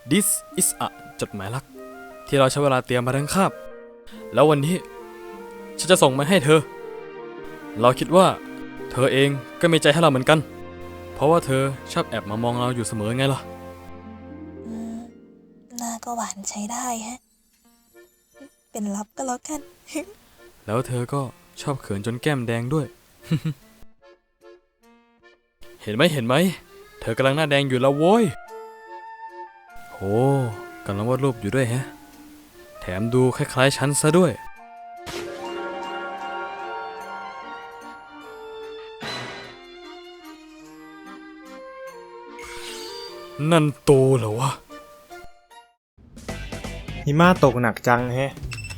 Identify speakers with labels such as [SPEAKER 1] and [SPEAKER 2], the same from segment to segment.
[SPEAKER 1] This is a จดหมายรักที่เราใช้เวลาเตรียมมาทั้งคาบแล้ววันนี้ฉันจะส่งมาให้เธอเราคิดว่าเธอเองก็มีใจให้เราเหมือนกันเพราะว่าเธอชอบแอบมามองเราอยู่เสมอไงล่ะ
[SPEAKER 2] หน้าก็หวานใช้ได้ฮะเป็นลับก็แล้วกัน
[SPEAKER 1] แล้วเธอก็ชอบเขินจนแก้มแดงด้วย เห็นไหมเธอกำลังหน้าแดงอยู่แล้วโว้ยโอ้กำลังวาดรูปอยู่ด้วยแฮะแถมดูคล้ายๆฉันซะด้วยนั่นโตเหรอวะ
[SPEAKER 3] หิมะตกหนักจังแฮะ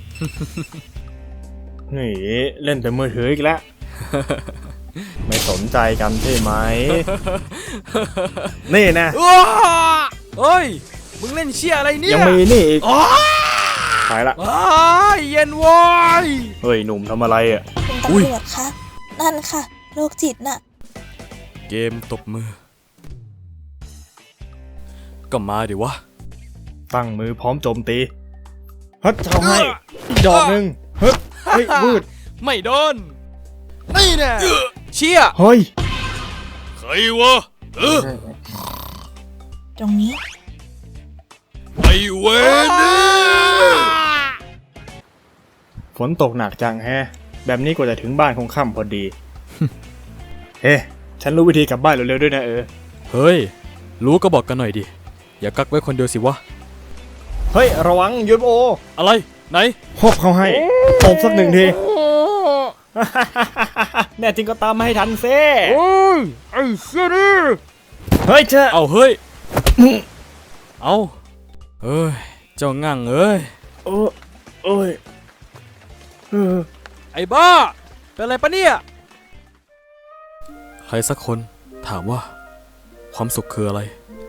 [SPEAKER 3] นี่เล่นแต่มือถืออีกแล้ว ไม่สนใจกันใช่ไหม นี่นะ
[SPEAKER 1] เฮ้ยมึงเล่นเชี่ยอะไรเนี่ย
[SPEAKER 3] ยังมีนี่อีกไปละ
[SPEAKER 1] เย็นวอย
[SPEAKER 3] เฮ้ยหนุ่มทำอะไรอ่ะ
[SPEAKER 2] คุณตำรวจคะนั่นค่ะโรคจิตน่ะ
[SPEAKER 1] เกมตบมือก็มาดิวะ
[SPEAKER 3] ตั้งมือพร้อมโจมตีฮัดเอาให้ดอกหนึ่งฮึบเฮ้ยบูด
[SPEAKER 1] ไม่โดนนี่แน่เชี่ย
[SPEAKER 3] เฮ้ย
[SPEAKER 1] ใครวะ
[SPEAKER 2] ตรงนี้
[SPEAKER 1] ไอ้เวนี่
[SPEAKER 3] ฝนตกหนักจังแฮะแบบนี้กว่าจะถึงบ้านคงค่ำพอดี เฮ้ฉันรู้วิธีกลับบ้านเร็วๆด้วยนะ
[SPEAKER 1] เฮ้ยรู้ก็บอกกันหน่อยดิอย่ากักไว้คนเดียวสิวะ
[SPEAKER 3] เฮ้ยระวังยูโอ
[SPEAKER 1] อะไรไหน
[SPEAKER 3] ฮบเขาให้ตบสักหนึ่งที แน่จริงก็ตามมาให้ทันเซ่
[SPEAKER 1] ไอ้เชี่ยดิ
[SPEAKER 3] เฮ้ยเจ้า
[SPEAKER 1] เอาเฮ้ยเอาเอ้ยเจ้างั่งเอ้ย
[SPEAKER 3] โอ้ย
[SPEAKER 1] ไอ้บ้าเป็นอะไรปะเนี่ยใครสักคนถามว่าความสุขคืออะไร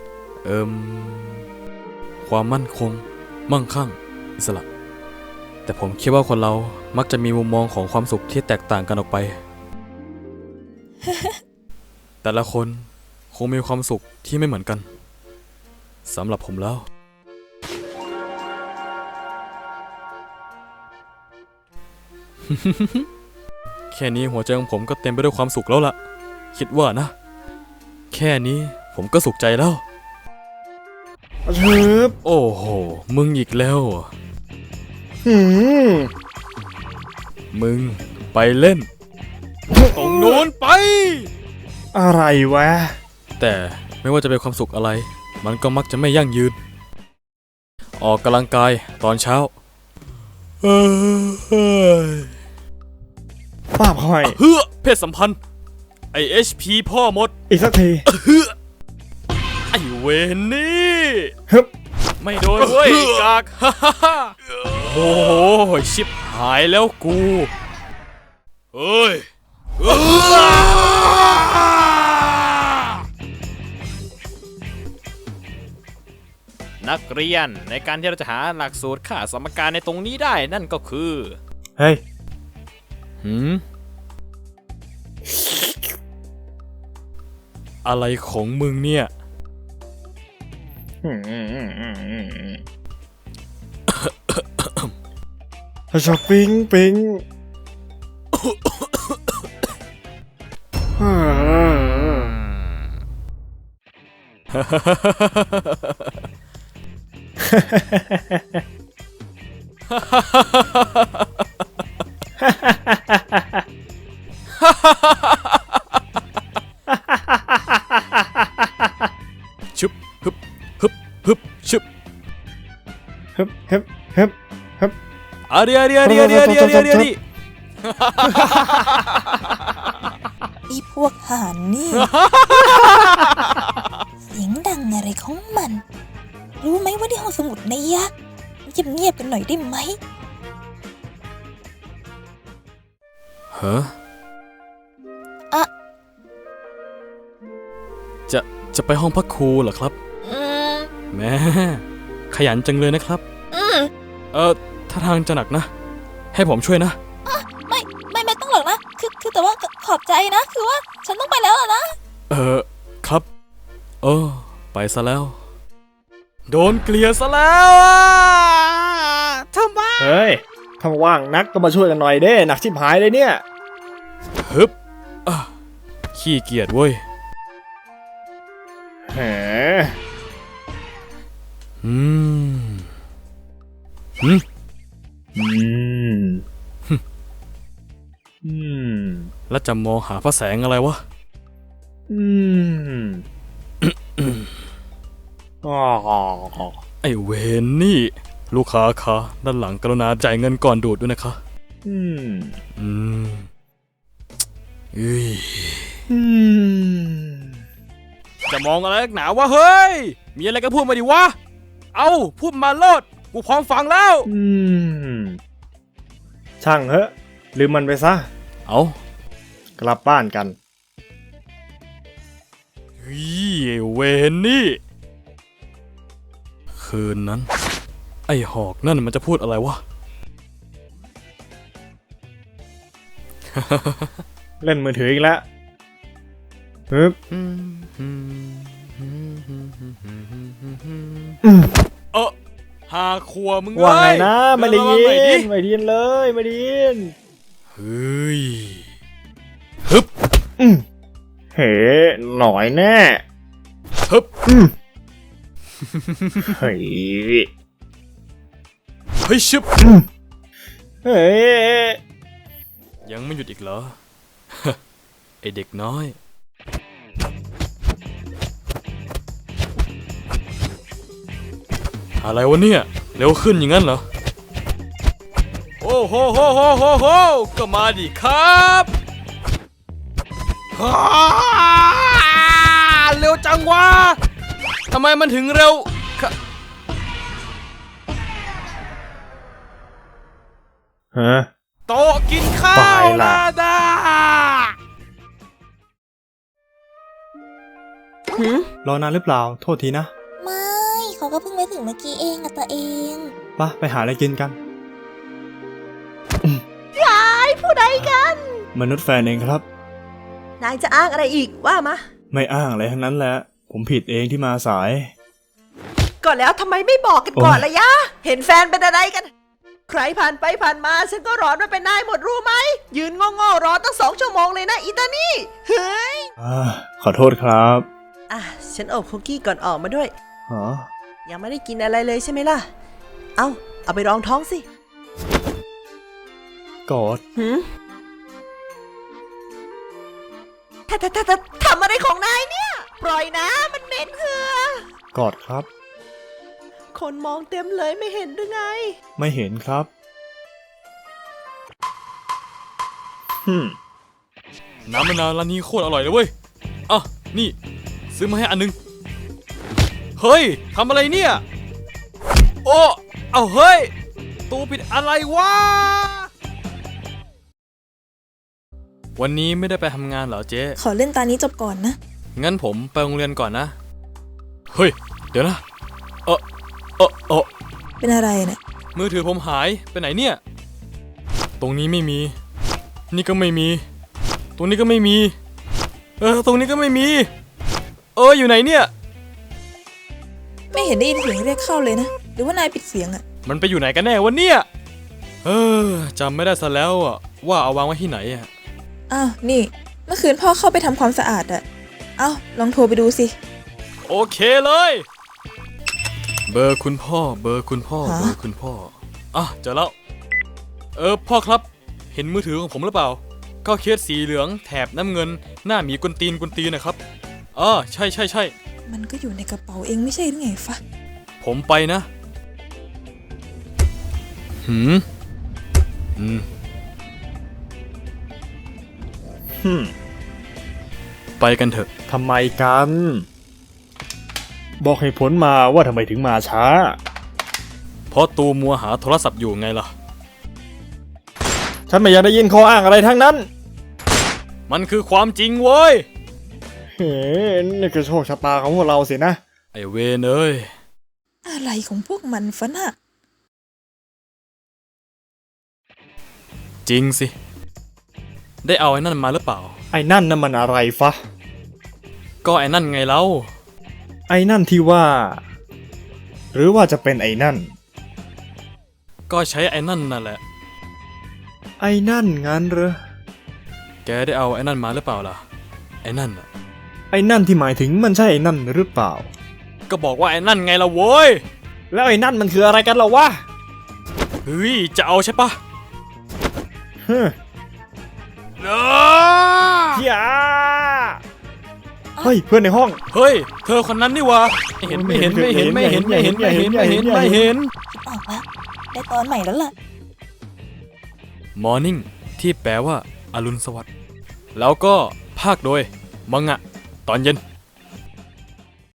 [SPEAKER 1] ความมั่นคงมั่งคั่งอิสระแต่ผมคิดว่าคนเรามักจะมีมุมมองของความสุขที่แตกต่างกันออกไป แต่ละคนคงมีความสุขที่ไม่เหมือนกันสำหรับผมแล้ว แค่นี้หัวใจของผมก็เต็มไปด้วยความสุขแล้วล่ะคิดว่านะแค่นี้ผมก็สุขใจแล้วโอ้โหมึงอีกแล้วมึงไปเล่นตรงนู้นไป
[SPEAKER 3] อะไรวะ
[SPEAKER 1] แต่ไม่ว่าจะเป็นความสุขอะไรมันก็มักจะไม่ยั่งยืนออกกำลังกายตอนเช้า
[SPEAKER 3] ป้าพ่อย
[SPEAKER 1] เพศสัมพันธ์ไอ HP พ่อมด
[SPEAKER 3] อีกสักที
[SPEAKER 1] ไอเวนนี่ไม่โดนเว้ยกากโอ้โหชิบหายแล้วกูเฮ้ยนักเรียนในการที่เราจะหาหลักสูตรค่าสมการในตรงนี้ได้นั่นก็คือ
[SPEAKER 3] เฮ้ย
[SPEAKER 1] อะไรของมึงเนี่ย
[SPEAKER 3] ชอบปิง
[SPEAKER 1] ชุบฮึบชุบ
[SPEAKER 3] ฮึบ
[SPEAKER 1] อาเดี
[SPEAKER 2] อีพวกห่านนี่ เสียงดังอะไรของมันรู้ไหมว่าที่ห้องสมุดในยักษ์เงียบกันหน่อยได้ไหม
[SPEAKER 1] จะไปห้องพักครูเหรอครับแม่ขยันจังเลยนะครับถ้าทางจะหนักนะให้ผมช่วยนะ
[SPEAKER 2] ไม่ต้องหรอกนะคือแต่ว่าขอบใจนะคือว่าฉันต้องไปแล้วนะ
[SPEAKER 1] ครับไปซะแล้วโดนเกลียซะแล้วอะทำไม
[SPEAKER 3] เฮ้ยถ้าว่างนักก็มาช่วยกันหน่อยเด้หนักชิบหายเลยเนี่ย
[SPEAKER 1] ฮึบอ่ะขี้เกียจเว้ย
[SPEAKER 3] แหม
[SPEAKER 1] อืมหืม
[SPEAKER 3] อืมอืม
[SPEAKER 1] แล้วจะมองหาพระแสงอะไรวะ
[SPEAKER 3] อืมอ๋อ
[SPEAKER 1] ไอเวนนี่ ลูกค้าคะด้านหลังกรุณาจ่ายเงินก่อนดูดด้วยนะคะ
[SPEAKER 3] อืม
[SPEAKER 1] อืมอุ้ย
[SPEAKER 3] อืม
[SPEAKER 1] จะมองอะไรนักหนาวะเฮ้ย มีอะไรก็พูดมาดิวะ เอาพูดมาโลด กูพร้อมฟังแล้ว
[SPEAKER 3] อืมช่างเหอะลืมมันไปซะ
[SPEAKER 1] เอา
[SPEAKER 3] กลับบ้านกัน
[SPEAKER 1] เฮ้ยไอ้เวนนี่ คืนนั้น ไอ้หอกนั่นมันจะพูดอะไรวะ
[SPEAKER 3] เล่นมือถืออีกแล้วฮึบ
[SPEAKER 1] เออหาครัวมึง
[SPEAKER 3] ว่าไง
[SPEAKER 1] เอ้ย
[SPEAKER 3] นะไม่ได้ยิ
[SPEAKER 1] เออระวังหน่อยดิ
[SPEAKER 3] นไม่ได้ยินเลยไม่ได้ยิน
[SPEAKER 1] เฮ้ยฮึบ
[SPEAKER 3] เฮ้หน่อยแน่
[SPEAKER 1] ฮึบ
[SPEAKER 3] เฮ้ย
[SPEAKER 1] เฮ้ยชึบ
[SPEAKER 3] เฮ้ย
[SPEAKER 1] ยังไม่หยุดอีกเหรอ ไอเด็กน้อย อะไรวะเนี่ย เร็วขึ้นอย่างนั้นเหรอ โอ้โหโหโหโหโหก็มาดิครับฮ่าเร็วจังวะทำไมมันถึงเร็วค่ะ
[SPEAKER 3] ฮะ
[SPEAKER 1] โต๊ะกินข้า
[SPEAKER 3] ไป
[SPEAKER 1] ว
[SPEAKER 3] ล่ะ
[SPEAKER 1] นาดา
[SPEAKER 3] รอนานหรือเปล่าโทษทีนะ
[SPEAKER 2] ไม่เขาก็เพิ่งไปถึงเมื่อกี้เองอะตัวเอง
[SPEAKER 3] ไปหาอะไรกินกัน
[SPEAKER 4] ผู้ใดกัน
[SPEAKER 3] มนุษย์แฟนเองครับ
[SPEAKER 4] นายจะอ้างอะไรอีกว่ามา
[SPEAKER 3] ไม่อ้างอะไรทั้งนั้นแหละผมผิดเองที่มาสาย
[SPEAKER 4] ก่อนแล้วทำไมไม่บอกกันก่อน
[SPEAKER 3] โอ้ย
[SPEAKER 4] ละยะ เห็นแฟนเป็นอะไรกัน ใครผ่านไปผ่านมาฉันก็ร้อนมาเป็นนายหมดรู้ไหม ยืนโง่ๆรอตั้ง2 ชั่วโมงเลยนะอีตานี่ เฮ้ย
[SPEAKER 3] ขอโทษครับ
[SPEAKER 4] อ่ะฉันอบคุกกี้ก่อนออกมาด้วย
[SPEAKER 3] อ๋อ
[SPEAKER 4] ยังไม่ได้กินอะไรเลยใช่ไหมล่ะ เอาไปรองท้องสิ
[SPEAKER 3] กอด
[SPEAKER 4] หืมทำอะไรของนายเนี่ย ปล่อยนะมันเหม็นเหือก
[SPEAKER 3] อดครับ
[SPEAKER 4] คนมองเต็มเลยไม่เห็นหรือไง
[SPEAKER 3] ไม่เห็นครับ
[SPEAKER 1] น้ำมะนาวร้านนี้โคตรอร่อยเลยเว้ย อ่ะ นี่ ซื้อมาให้อันนึง เฮ้ย ทำอะไรเนี่ย โอ้ เอาเฮ้ย ตูปิดอะไรวะ วันนี้ไม่ได้ไปทำงานเหรอเจ๊
[SPEAKER 2] ขอเล่นตานี้จบก่อนนะ
[SPEAKER 1] งั้นผมไปโรงเรียนก่อนนะ เฮ้ย เดี๋ยวนะ เออ
[SPEAKER 2] เป็นอะไรเนี่ย
[SPEAKER 1] มือถือผมหายไปไหนเนี่ย ตรงนี้ไม่มี นี่ก็ไม่มี ตรงนี้ก็ไม่มี ตรงนี้ก็ไม่มี อยู่ไหนเนี่ย
[SPEAKER 2] ไม่เห็นได้ยินเสียงเรียกเข้าเลยนะ หรือว่านายปิดเสียงอะ
[SPEAKER 1] มันไปอยู่ไหนกันแน่วะเนี่ย จำไม่ได้ซะแล้วอะว่าเอาวางไว้ที่ไหนอะ
[SPEAKER 2] อ้าวนี่ เมื่อคืนพ่อเข้าไปทำความสะอาดอะเอ้าลองโทรไปดูสิ
[SPEAKER 1] โอเคเลย เบอร์คุณพ่อ เบอร์คุณพ่อ
[SPEAKER 2] ฮะ
[SPEAKER 1] เบอร์คุณพ่อ อ่ะเจอแล้ว พ่อครับ เห็นมือถือของผมหรือเปล่า ก็เคสสีเหลืองแถบน้ำเงิน หน้าหมีกุนตีนนะครับใช่
[SPEAKER 2] มันก็อยู่ในกระเป๋าเองไม่ใช่หรือไงฟะ
[SPEAKER 1] ผมไปนะ หืม ไปกันเถอะ
[SPEAKER 3] ทำไมกัน บอกให้ผลมาว่าทำไมถึงมาช้า
[SPEAKER 1] เพราะตูมัวหาโทรศัพท์อยู่ไงล่ะ
[SPEAKER 3] ฉันไม่อยากได้ยินข้ออ้างอะไรทั้งนั้น
[SPEAKER 1] มันคือความจริงเว้ย
[SPEAKER 3] เฮ้นี่คือโชคชะตาของพวกเราสินะ
[SPEAKER 1] ไอเวนเอ้ย
[SPEAKER 2] อะไรของพวกมันฟะน่ะ
[SPEAKER 1] จริงสิ ได้เอาไอ้นั่นมาหรือเปล่า
[SPEAKER 3] ไอ้นั่นน่ะมันอะไรฟะ
[SPEAKER 1] ก็ไอ้นั่นไงเล่า
[SPEAKER 3] ไอ้นั่นที่ว่าหรือว่าจะเป็นไอ้นั่น
[SPEAKER 1] ก็ใช้ไอ้นั่นนั่นแหละ
[SPEAKER 3] ไอ้นั่นงั้นเหรอ
[SPEAKER 1] แกได้เอาไอ้นั่นมาหรือเปล่าล่ะ ไอ้นั่นน่ะ
[SPEAKER 3] ไอ้นั่นที่หมายถึงมันใช่ไอ้นั่นหรือเปล่า
[SPEAKER 1] ก็บอกว่าไอ้นั่นไงล่ะโว้ย
[SPEAKER 3] แล้วไอ้นั่นมันคืออะไรกันล่ะวะ
[SPEAKER 1] เฮ้ย จะเอาใช่ปะ
[SPEAKER 3] ฮึ
[SPEAKER 1] อ้า
[SPEAKER 3] อย่าเฮ้ยเพื่อนในห้อง
[SPEAKER 1] เฮ้ย เธอคนนั้นนี่หวะไม่เห็น
[SPEAKER 3] อ
[SPEAKER 2] อกแล้วได้ตอนใหม่แล้วล่ะ
[SPEAKER 1] Morning ที่แปลว่าอรุณสวัสดิ์แล้วก็ภาคโดยมังงะตอนเย็น